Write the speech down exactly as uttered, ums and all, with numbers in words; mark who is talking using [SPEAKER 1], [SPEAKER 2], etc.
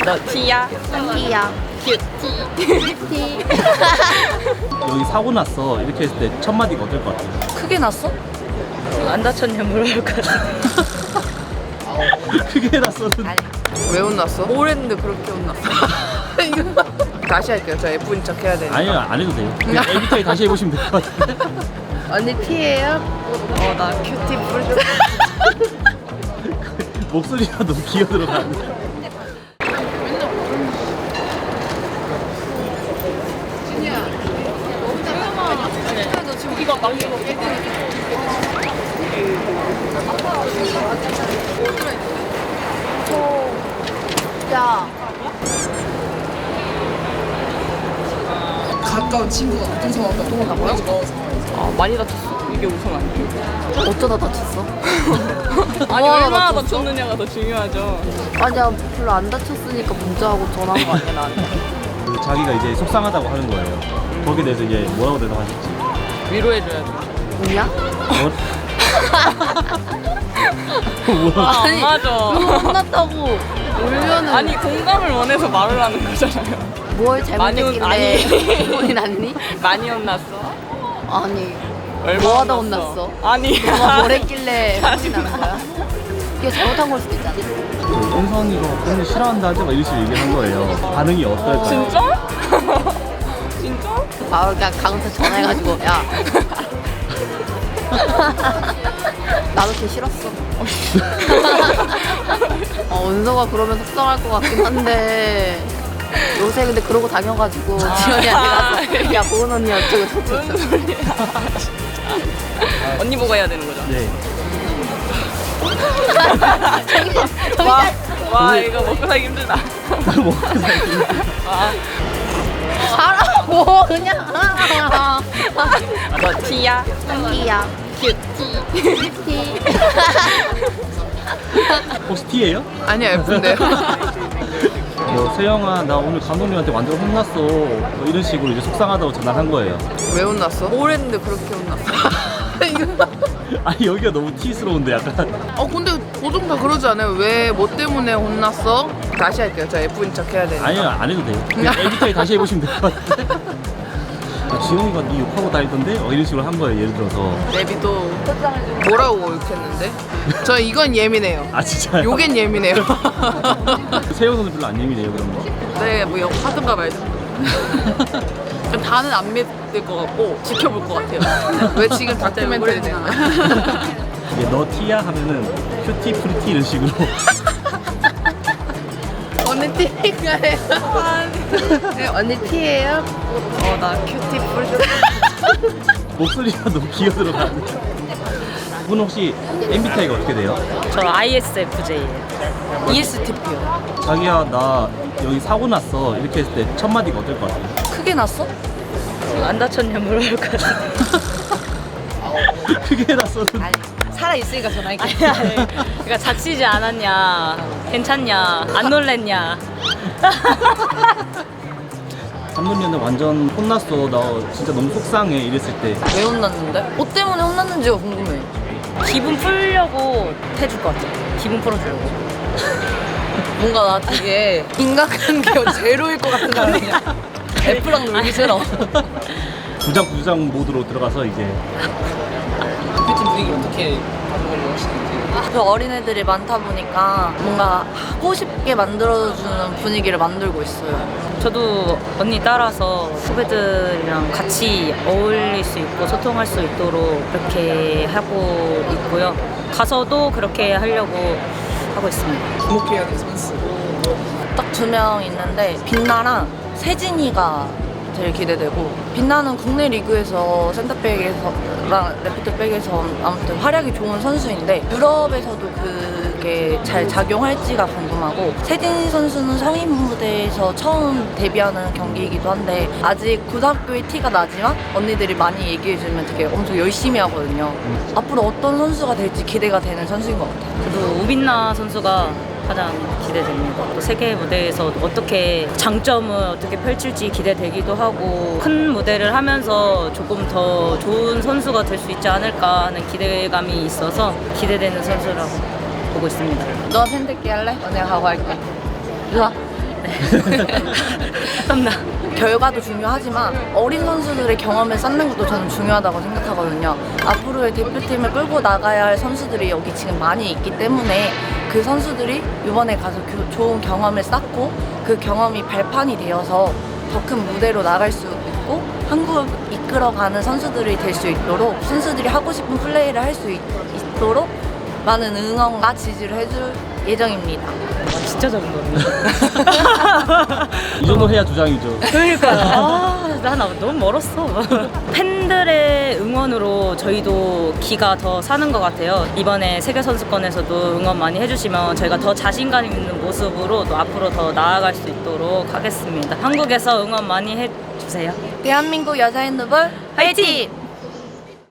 [SPEAKER 1] 너 T야?
[SPEAKER 2] T야.
[SPEAKER 1] 큐티.
[SPEAKER 2] T.
[SPEAKER 3] 여기 사고 났어 이렇게 했을 때 첫 마디가 어떨 것 같아?
[SPEAKER 2] 크게 났어?
[SPEAKER 1] 안 다쳤냐 물어볼 것 같아.
[SPEAKER 3] 크게 났어는
[SPEAKER 2] 아니.
[SPEAKER 4] 왜 혼났어?
[SPEAKER 2] 뭘 했는데 그렇게 혼났어?
[SPEAKER 4] 이거 다시 할게요. 저 예쁜 척 해야 되니까.
[SPEAKER 3] 아니요 안 해도 돼요. 그냥 엠비티아이 다시 해보시면 될 것 같은데.
[SPEAKER 2] 언니 T예요?
[SPEAKER 1] 어, 나 큐티 뿌려.
[SPEAKER 3] 목소리가 너무 기어 들어가는데.
[SPEAKER 1] 이거 막 이거.
[SPEAKER 2] 야.
[SPEAKER 4] 가까운 친구가 어떤 상황과 또 만나고요?
[SPEAKER 1] 아, 많이 다쳤어. 이게 우선 아니에요.
[SPEAKER 2] 어쩌다 다쳤어?
[SPEAKER 1] 아니,
[SPEAKER 2] 뭐 하나
[SPEAKER 1] 얼마나
[SPEAKER 2] 다쳤어?
[SPEAKER 1] 다쳤느냐가 더 중요하죠.
[SPEAKER 2] 아니야, 별로 안 다쳤으니까 문자하고 전화한 거 아니야, 나한테?
[SPEAKER 3] 그 자기가 이제 속상하다고 하는 거예요. 거기에 대해서 이제 뭐라고 대답하실지.
[SPEAKER 1] 위로해줘야죠.
[SPEAKER 2] 뭐냐?
[SPEAKER 3] 뭐? 뭐라고?
[SPEAKER 1] 아, 안
[SPEAKER 2] 아니,
[SPEAKER 1] 맞아.
[SPEAKER 2] 그거 혼났다고 울면은
[SPEAKER 1] 아니, 공감을 원해서 말을 하는 거잖아요.
[SPEAKER 2] 뭘
[SPEAKER 1] 많이 혼-
[SPEAKER 2] 잘못했길래 본인 아니니?
[SPEAKER 1] 많이 혼났어?
[SPEAKER 2] 아니,
[SPEAKER 1] 얼마나
[SPEAKER 2] 뭐 하다
[SPEAKER 1] 혼났어?
[SPEAKER 2] 혼났어?
[SPEAKER 1] 아니.
[SPEAKER 2] 너가 뭘 했길래 혼이 나는 거야? 이게 잘못한 걸 수도 있잖아.
[SPEAKER 3] 그 은선이가 그런 거 싫어한다 하지 마 이런 식으로 얘기를 한 거예요. 반응이 어떨까요?
[SPEAKER 1] 진짜? 진짜?
[SPEAKER 2] 바로 그냥 강은태 전화해가지고 야 나도 걔 싫었어. 어, 은서가 그러면 속상할 것 같긴 한데 요새 근데 그러고 다녀가지고 지연이한테 가서 야 보은 언니 어쩌고 저쩌고.
[SPEAKER 1] 무슨 소리야. 언니 보고 해야 되는 거죠?
[SPEAKER 3] 네.
[SPEAKER 1] 와, 와 이거 먹고 살기 힘들다.
[SPEAKER 3] 뭐
[SPEAKER 1] 와,
[SPEAKER 2] 하라고 그냥.
[SPEAKER 1] 너 T야?
[SPEAKER 2] T야.
[SPEAKER 1] 큐티.
[SPEAKER 2] T.
[SPEAKER 3] 혹시 T예요?
[SPEAKER 4] 아니야, 예쁜데요.
[SPEAKER 3] 뭐 세영아 나 오늘 감독님한테 완전 혼났어. 뭐 이런 식으로 이제 속상하다고 전화한 거예요.
[SPEAKER 4] 왜 혼났어?
[SPEAKER 2] 뭘 했는데 그렇게 혼났어?
[SPEAKER 3] 아니 여기가 너무 T스러운데 약간.
[SPEAKER 4] 어 근데 보통 다 그러지 않아요? 왜 뭐 때문에 혼났어? 다시 할게요. 저 예쁜 척 해야 되니까.
[SPEAKER 3] 아니요 안 해도 돼요. 그냥 엠비티아이 다시 해보시면 될 것 같은데. 아, 지영이가 네 욕하고 다니던데? 어, 이런 식으로 한 거예요 예를 들어서.
[SPEAKER 4] 내비도 뭐라고 욕했는데? 저 이건 예민해요.
[SPEAKER 3] 아 진짜요?
[SPEAKER 4] 요겐 예민해요.
[SPEAKER 3] 세영 선수 별로 안 예민해요 그런 거.
[SPEAKER 1] 네, 뭐 하든가 말든가. 다는 안 믿을 것 같고 지켜볼 것 같아요.
[SPEAKER 4] 왜 지금 다큐멘터리 내는 거야?
[SPEAKER 3] 이게 너 T야 하면은 큐티 프리티 이런 식으로.
[SPEAKER 2] 언니 T인가요? 네, 언니 T예요?
[SPEAKER 1] 어, 나 큐티 뿌려.
[SPEAKER 3] 목소리가 너무 기어 들어가는데. 분 혹시 엠비티아이가 어떻게 돼요?
[SPEAKER 1] 저 아이에스에프제이예요.
[SPEAKER 2] 이에스티피요.
[SPEAKER 3] 자기야 나 여기 사고 났어 이렇게 했을 때 첫 마디가 어떨 것 같아?
[SPEAKER 2] 크게 났어?
[SPEAKER 1] 안 다쳤냐 물어볼 것 같아.
[SPEAKER 3] 크게 났어는.
[SPEAKER 2] 아니, 살아있으니까 전화할게.
[SPEAKER 1] 그러니까 다치지 않았냐, 괜찮냐, 안 놀랬냐.
[SPEAKER 3] 감독님한테 완전 혼났어 나 진짜 너무 속상해 이랬을 때.
[SPEAKER 2] 왜 혼났는데? 뭐 때문에 혼났는지가 궁금해.
[SPEAKER 1] 기분 풀려고 해줄 것 같아. 기분 풀어주려고.
[SPEAKER 2] 뭔가 나 되게 인간관계가 제로일 것 같은 사람이야. F랑 놀기 싫어.
[SPEAKER 3] 부장 부장 모드로 들어가서 이제.
[SPEAKER 4] 뷰티 분위기 어떻게 바꾸려고 하시는지.
[SPEAKER 2] 그 어린애들이 많다 보니까 뭔가 하고 싶게 만들어주는 분위기를 만들고 있어요.
[SPEAKER 1] 저도 언니 따라서 후배들이랑 같이 어울릴 수 있고 소통할 수 있도록 그렇게 하고 있고요. 가서도 그렇게 하려고 하고 있습니다.
[SPEAKER 4] 주목해야 될 선수.
[SPEAKER 2] 딱 두 명 있는데 빛나랑 세진이가 제일 기대되고, 빛나는 국내 리그에서 센터백에서랑 레프트백에서 아무튼 활약이 좋은 선수인데 유럽에서도 그게 잘 작용할지가 궁금하고, 세진 선수는 성인 무대에서 처음 데뷔하는 경기이기도 한데 아직 고등학교의 티가 나지만 언니들이 많이 얘기해주면 되게 엄청 열심히 하거든요. 앞으로 어떤 선수가 될지 기대가 되는 선수인 것 같아요.
[SPEAKER 1] 저도 우빈나 선수가 가장 기대됩니다. 또 세계 무대에서 어떻게 장점을 어떻게 펼칠지 기대되기도 하고, 큰 무대를 하면서 조금 더 좋은 선수가 될 수 있지 않을까 하는 기대감이 있어서 기대되는 선수라고 보고 있습니다.
[SPEAKER 2] 너가 팬들끼리 할래? 언니가 가고 할게. 좋아.
[SPEAKER 1] 땀나.
[SPEAKER 2] 결과도 중요하지만 어린 선수들의 경험을 쌓는 것도 저는 중요하다고 생각하거든요. 앞으로의 대표팀을 끌고 나가야 할 선수들이 여기 지금 많이 있기 때문에 그 선수들이 이번에 가서 교- 좋은 경험을 쌓고 그 경험이 발판이 되어서 더 큰 무대로 나갈 수 있고 한국을 이끌어가는 선수들이 될 수 있도록 선수들이 하고 싶은 플레이를 할 수 있도록 많은 응원과 지지를 해줄 예정입니다.
[SPEAKER 1] 와, 진짜 적은 거네.
[SPEAKER 3] 이 정도 해야 주장이죠.
[SPEAKER 1] 그러니까 아, 난 너무 멀었어. 팬들의 응원으로 저희도 기가 더 사는 것 같아요. 이번에 세계 선수권에서도 응원 많이 해주시면 저희가 더 자신감 있는 모습으로 또 앞으로 더 나아갈 수 있도록 하겠습니다. 한국에서 응원 많이 해주세요.
[SPEAKER 2] 대한민국 여자 핸드볼 화이팅!